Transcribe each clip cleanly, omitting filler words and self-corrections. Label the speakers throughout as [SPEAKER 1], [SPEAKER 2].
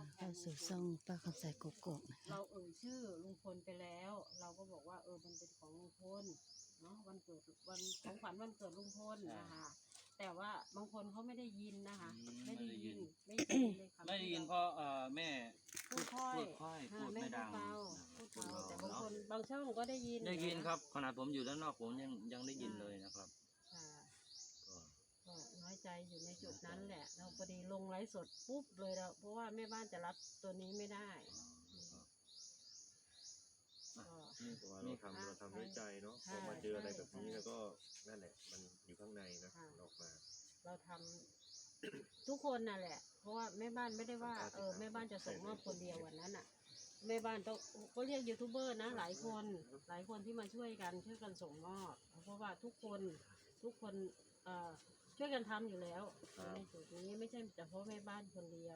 [SPEAKER 1] เข้าสู่ช่องป้าคำใสโกโก้นะคะ
[SPEAKER 2] เราชื่อลุงพลไปแล้ว เราก็บอกว่ามันเป็นของลุงพลเนาะวันเกิดวันของขวัญวันเกิดลุงพลนะคะแต่ว่าบางคนเขาไม่ได้ยินนะคะไม่ได้ยินเลยค่ะ
[SPEAKER 3] ไม่ได้ยินเพราะแม่
[SPEAKER 2] พูดค่อย
[SPEAKER 3] พูดไม่ดัง
[SPEAKER 2] พูดเบาแต่บางคนบางช่องก็ได้ยิน
[SPEAKER 3] ได้ยินครับขนาดผมอยู่ด้านนอกผมยังได้ยินเลยนะครับ
[SPEAKER 2] ก็น้อยใจอยู่ในจุดนั้นแหละเราพอดีลงไลฟ์สดปุ๊บเลยเราเพราะว่าแม่บ้านจะรับตัวนี้ไม่ได้
[SPEAKER 4] เราทำด้วยใจเนาะพอมาเจออะไรแบบนี้แล้วก็นั่นแหละมันอยู่ข้างในนะออกมา
[SPEAKER 2] เราทำทุกคนน่ะแหละเพราะว่าแม่บ้านไม่ได้ว่าแม่บ้านจะส่งมอบคนเดียววันนั้นอ่ะแม่บ้านต้องก็เรียกยูทูบเบอร์นะหลายคนที่มาช่วยกันส่งมอบเพราะว่าทุกคนช่วยกันทำอยู่แล้วในจุดนี้ไม่ใช่แต่เพราะแม่บ้านคนเดียว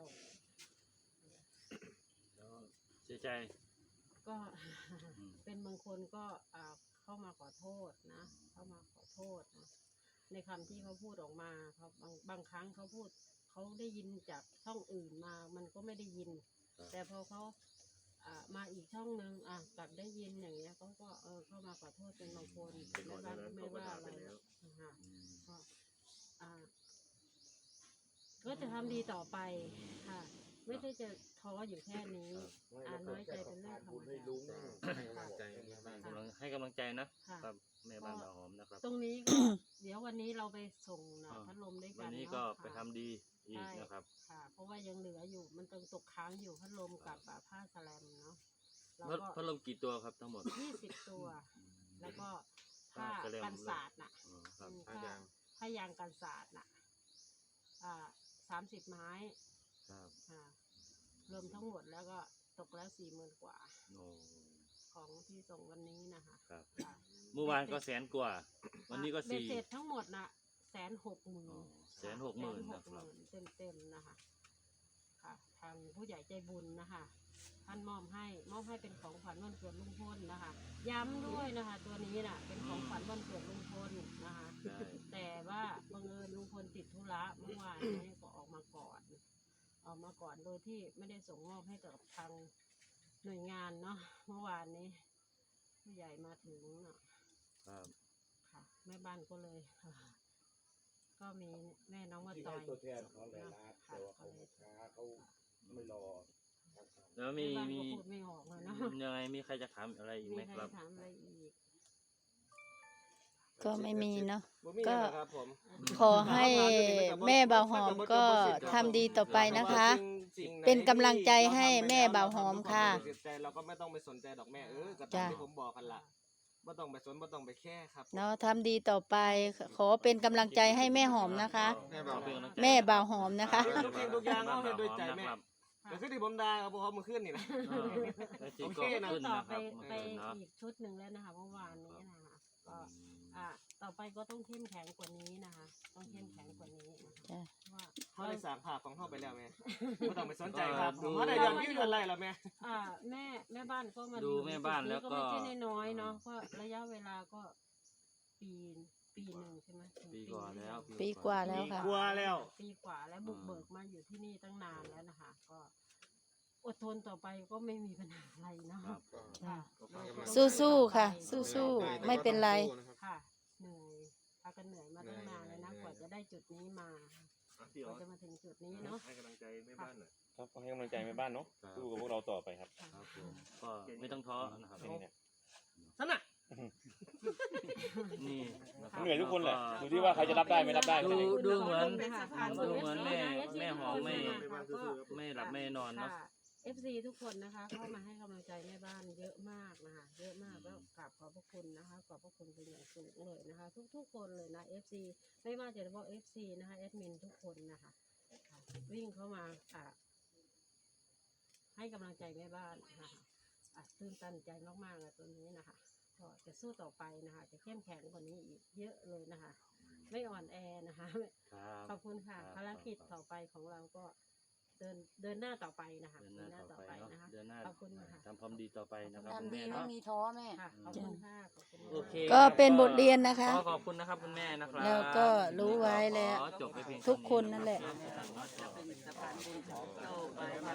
[SPEAKER 3] แล้วเสียใจ
[SPEAKER 2] ก็เป็นบางคนก็เข้ามาขอโทษนะเข้ามาขอโทษนะในคำที่เขาพูดออกมาเขาบางครั้งเขาพูดเขาได้ยินจากช่องอื่นมามันก็ไม่ได้ยินแต่พอเขามาอีกช่องนึงกลับได้ยินอย่างเงี้ยเขาก็เข้ามาขอโทษเป็นบางคนไม่ว่าอะไรก็จะทำดีต่อไปค่ะไม่ได้จะท้ออยู่แค่นี้น้อยใจเป็นเรื่องธรรมดา
[SPEAKER 3] ให้กำลังใจนะครับแม่บ้านบ่าวหอมนะครับ
[SPEAKER 2] ตรงนี้ก็เดี๋ยววันนี้เราไปส่งพัดลมด้วยกัน
[SPEAKER 3] วันนี้ก็ไปทำดีอีกนะครับ
[SPEAKER 2] ค่ะเพราะว่ายังเหลืออยู่มันตกค้างอยู่พัดลมกับผ้าสแลมเนาะ
[SPEAKER 3] พัดลมกี่ตัวครับทั้งหมด
[SPEAKER 2] 20 ตัวแล้วก็ผ้ากันศาสตร์น่ะผ้ายางกันศาสตร์น่ะ30 ไม้รวมทั้งหมดแล้วก็ตกแล้ว40,000 กว่าของที่ส่งวันนี้นะคะ
[SPEAKER 3] เมื่อวานก็100,000 กว่าวันนี้ก็4
[SPEAKER 2] เสร็จทั้งหมดน่ะ160,000
[SPEAKER 3] นะครับ
[SPEAKER 2] เต็มนะคะค่ะทางผู้ใหญ่ใจบุญนะคะท่านมอบให้เป็นของขวัญวันเกิดลุงพลนะคะย้ำด้วยนะคะตัวนี้น่ะเป็นของขวัญวันเกิดลุงพลนะคะแต่ว่าบังเอิญลุงพลติดธุระเมื่อวานนี้ก็ออกมาก่อนโดยที่ไม่ได้ส่งมอบให้กับทางหน่วยงานเนาะเมื่อวานนี้ผู้ใหญ่มาถึงค่ะแม่บ้านก็เลยก็มีแม่น้องมาต่อย
[SPEAKER 4] ตัวแทนเขาเลยนะแต่ว่าเขาช้าเขาไม่รอ
[SPEAKER 3] แล้วมี
[SPEAKER 2] พูดไม่ออกเลยเนาะ
[SPEAKER 3] ยังไงมีใครจะถามอะไรอีกไหมครับ
[SPEAKER 2] ถามอะไรอีก
[SPEAKER 1] ก็ไม่มีเนาะก็ขอให้แม่บ่าวหอมก็ทำดีต่อไปนะคะเป็นกำลังใจให้แม่บ่าวหอมค่ะ
[SPEAKER 5] เราก็ไม่ต้องไปสนใจดอกแม่กับตามที่ผมบอกกันละไม่ต้องไปสนไม่ต้องไปแค่ครับ
[SPEAKER 1] เนาะทำดีต่อไปขอเป็นกำลังใจให้แม่หอมนะคะแม่บ่าวหอมนะคะ
[SPEAKER 5] ทุกอย่างเอาให้ด้วยใจแม่แต่คือที่ผมด่าเขาบอกมาขึ้นนี่นะ
[SPEAKER 2] โอเคนะต่อไปอีกชุดหนึ่งแล้วนะคะเมื่อวานนี้นะคะก็ต่อไปก็ต้องเข้มแข็งกว่านี้นะคะต้องเข้มแข็งกว่านี้นะคะว่า
[SPEAKER 5] เขาได้สร้างภาพของเขาไปแล้วแม่ไม่ต้องไปสนใจครับเขาได้ย้อนวิวย้อนไล่แล้วแม่
[SPEAKER 2] แม่บ้านก็มา
[SPEAKER 3] ดูแม่บ้านแล้วก็
[SPEAKER 2] ไม่ใช่น้อยเนาะก็ระยะเวลาก็ปีหนึ่งใช่ไหม
[SPEAKER 3] ปีกว่าแล้ว
[SPEAKER 1] ค่ะปีกว่าแล้ว
[SPEAKER 2] บุกเบิกมาอยู่ที่นี่ตั้งนานแล้วนะคะก็อดทนต่อไปก็ไม่มีปัญหาอะไรเนาะ
[SPEAKER 1] สู้ๆค่ะสู้ๆไม่เป็นไร
[SPEAKER 2] ค่ะเหนื่อยพากันเหนื่อยมาตั้งนานเลยนะกว่าจะได้จุดนี้มากว่าจะมาถึงจุดนี้เนาะ
[SPEAKER 4] ให้กำลังใจแม่บ้านหน่อย
[SPEAKER 5] ครับให้กำลังใจแม่บ้านเนาะสู้กับพวกเราต่อไปครับ
[SPEAKER 3] ก็ไม่ต้องท้อนะครับ
[SPEAKER 5] นั่นน่ะ
[SPEAKER 3] นี่
[SPEAKER 5] เหนื่อยทุกคนแหละดูที่ว่าใครจะรับได้ไม่รับได้
[SPEAKER 3] ดูเหมือนแม่หอมไม่หลับไม่นอนเนาะ
[SPEAKER 2] FC ทุกคนนะคะเข้ามาให้กำลังใจแม่บ้านเยอะมากนะคะเยอะมากแล้วกราบขอบพระคุณนะคะขอบพระคุณเป็นอย่างสูงเลยนะคะทุกคนเลยนะ FC ไม่ว่าจะเฉพาะ FC นะคะแอดมินทุกคนนะคะวิ่งเข้ามาให้กำลังใจแม่บ้านนะคะตื่นตันใจมากๆเลยตัวนี้นะคะก็จะสู้ต่อไปนะคะจะเข้มแข็งกว่านี้อีกเยอะเลยนะคะไม่อ่อนแอนะคะขอบคุณค่ะภารกิจต่อไปของเราก็เดินหน้าต่อไปนะคะ
[SPEAKER 3] เดินหน้าต่อไปนะ
[SPEAKER 2] ขอบคุณค่ะ
[SPEAKER 3] ทำความดีต่อไปนะครับ
[SPEAKER 1] ทำดีไม่มีท้อแม่
[SPEAKER 2] ขอบคุณค่ะ
[SPEAKER 3] โอเค
[SPEAKER 1] ก็เป็นบทเรียนนะคะ
[SPEAKER 3] ขอบคุณนะครับคุณแม่นะครับ
[SPEAKER 1] แล้วก็รู้ไว้แล้วทุกคนนั่นแหละ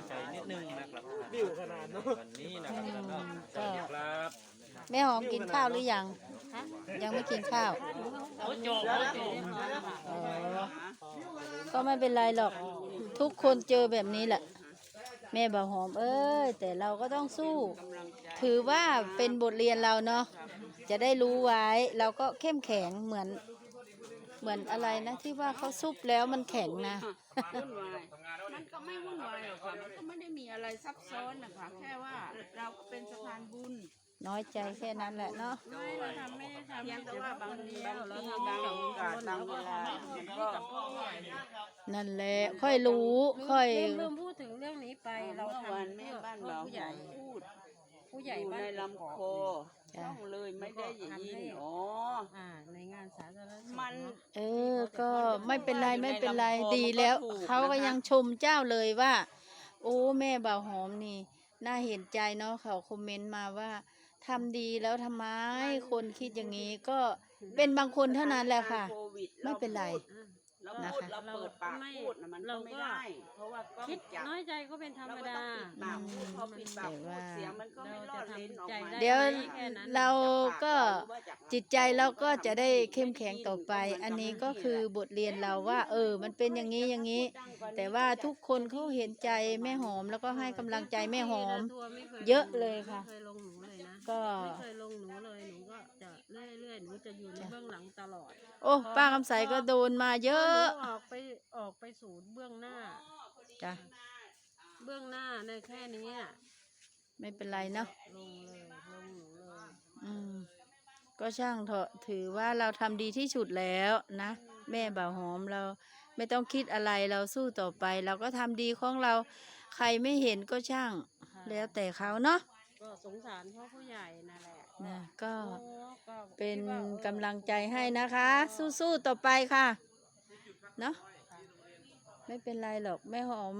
[SPEAKER 3] นึงนะครับ
[SPEAKER 5] บิ้วขนาดเนาะ
[SPEAKER 3] วันนี้นะครับแล้วก็สวัสดีครับ
[SPEAKER 1] แม่หอมกินข้าวหรือยัง ยังไม่กินข้าว
[SPEAKER 3] โอ้โจ
[SPEAKER 1] อ๋อก็ไม่เป็นไรหรอก ทุกคนเจอแบบนี้แหละ แม่บ่าวหอมเอ้ยแต่เราก็ต้องสู้ ถือว่าเป็นบทเรียนเราเนาะจะได้รู้ไว้เราก็เข้มแข็งเหมือนอะไรนะที่ว่าเขาซุบแล้วมันแข็งนะ
[SPEAKER 6] วุ่นวายมันก็ไม่วุ่นวายหรอกค่ะมันก็ไม่ได้มีอะไรซับซ้อนนะคะแค่ว่าเราก็เป็นสะพานบุญ
[SPEAKER 1] น้อยใจแค่นั้นแหละเนาะ
[SPEAKER 2] ไม่เราทำไม่ได้ทำ
[SPEAKER 6] เพียงแต่ว่าบางที
[SPEAKER 2] เรา
[SPEAKER 6] บาง
[SPEAKER 2] ทำ
[SPEAKER 6] บาง
[SPEAKER 2] สอง
[SPEAKER 6] โอกาส
[SPEAKER 2] คน
[SPEAKER 6] บางเวลามันก็
[SPEAKER 1] นั่นแหละค่อยรู้ค่อย
[SPEAKER 2] ลืมพูดถึงเรื่องนี้ไปเรา
[SPEAKER 6] เมื่อ
[SPEAKER 2] ทำ
[SPEAKER 6] วานแม่บ้านเรา
[SPEAKER 2] ผู้ใหญ่
[SPEAKER 6] พูด
[SPEAKER 2] ผู้ใหญ่
[SPEAKER 6] อยู่
[SPEAKER 2] บ้าน
[SPEAKER 6] ในลำคอ
[SPEAKER 1] จ้ะ
[SPEAKER 6] ต้องเลยไม่ได้ยินอ๋อ
[SPEAKER 2] ในงานสาธารณสุข
[SPEAKER 6] มัน
[SPEAKER 1] ก็ไม่เป็นไรไม่เป็นไรดีแล้ว เขาก็ยังชมเจ้าเลยว่า โอ้แม่บ่าวหอมนี่น่าเห็นใจเนาะเขาคอมเมนต์มาว่าทำดีแล้วทำไมคนคิดอย่างนี้ก็เป็นบางคนเท่านั้นแหละค่ะ
[SPEAKER 6] โควิด
[SPEAKER 1] ไม่เป็นไร
[SPEAKER 6] เรา
[SPEAKER 1] นะ
[SPEAKER 6] พูด
[SPEAKER 1] คะ
[SPEAKER 6] เราเปิดปากพูดนะมันก็ไม่ได้ เพราะว่ากล้อง
[SPEAKER 2] คิด
[SPEAKER 6] จับ
[SPEAKER 2] น้อยใจก็เป็นธรรม
[SPEAKER 6] เราก็
[SPEAKER 2] ดา
[SPEAKER 6] ต้องปิดปากพูดพอปิดปากพูดเสียงมันก็ไม่รอดเลนออกมา
[SPEAKER 1] เดี๋ยว
[SPEAKER 2] แค่นั้น
[SPEAKER 1] เราก็จิตใจเราก็จะได้เข้มแข็งต่อไป อันนี้ก็คือบทเรียนเราว่า มันเป็นอย่างนี้อย่างนี้ แต่ว่าทุกคนเขาเห็นใจแม่หอมแล้วก็ให้กำลังใจแม่หอม เยอะเลยค่ะ
[SPEAKER 2] ไม่เคยลงหนูเลยนะ
[SPEAKER 1] ก็
[SPEAKER 2] ไม่เคยลงหนูเลยหนูก็จะเรื่อยๆหนูจะอยู่ในเบื้องหลังตลอด
[SPEAKER 1] โอ้ป้าคำใสก็โดนมาเยอะ
[SPEAKER 2] หนูออกไปสู่เบื้องหน้า
[SPEAKER 1] จ้ะ
[SPEAKER 2] เบื้องหน้าในแค่นี้อะ
[SPEAKER 1] ไม่เป็นไรเนาะ
[SPEAKER 2] ลงเลยลงหนูเลย
[SPEAKER 1] อืมก็ช่างเถอะถือว่าเราทำดีที่สุดแล้วนะ แม่บ่าวหอมเราไม่ต้องคิดอะไรเราสู้ต่อไป เราก็ทำดีของเรา ใครไม่เห็นก็ช่าง
[SPEAKER 2] ค่ะ
[SPEAKER 1] แล้วแต่เขาเนาะ
[SPEAKER 2] ก็สงสารพ่อผู้ใหญ่นั่นแหละ
[SPEAKER 1] นะก็
[SPEAKER 2] โอ้ก็
[SPEAKER 1] เป็น
[SPEAKER 2] คิดว่าก
[SPEAKER 1] ำลังใจให้นะคะ สู้ๆต่อไปค่ะเนาะไม่เป็นไรหรอกแม่หอม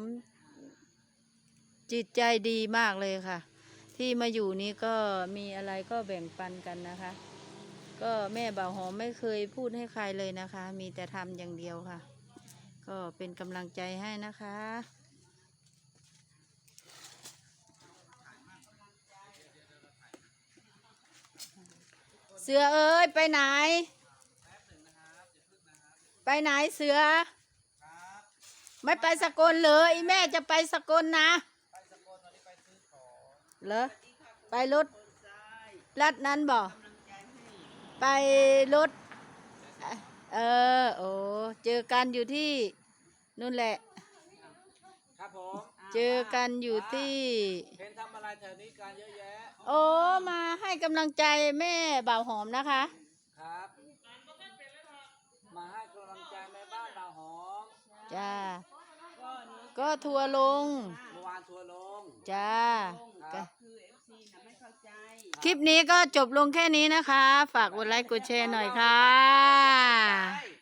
[SPEAKER 1] จิตใจดีมากเลยค่ะ ที่มาอยู่นี้ก็มีอะไรก็แบ่งปันกันนะคะ ก็แม่บ่าวหอมไม่เคยพูดให้ใครเลยนะคะ มีแต่ทำอย่างเดียวค่ะ ก็เป็นกำลังใจให้นะคะ เสือเอ้ยไปไหน ไปไหนเสือ ไม่ไปสกลเลยแม่จะไปสกลนะเหรอไปรถลัดนั้นบ่ไปรถโอ้เจอกันอยู่ที่นู่นแหละ
[SPEAKER 3] ครับผม
[SPEAKER 1] เจอกันอยู่ที่
[SPEAKER 3] เห็นทำอะไรแถวนี้การเยอะแยะ
[SPEAKER 1] โอ้มาให้กำลังใจแม่บ่าวหอมนะคะ
[SPEAKER 3] ครับ มาให้กำลังใจแม่บ้านเราหอม
[SPEAKER 1] จ้าก็ทัวร์ลง
[SPEAKER 3] เมื่อวานทัวร์ลง
[SPEAKER 1] จ้า
[SPEAKER 3] ครับ
[SPEAKER 6] คือ FC นะไม่เข้าใจ
[SPEAKER 1] คลิปนี้ก็จบลงแค่นี้นะคะ ฝากกดไลค์กดแชร์หน่อยค่ะ
[SPEAKER 3] ใช่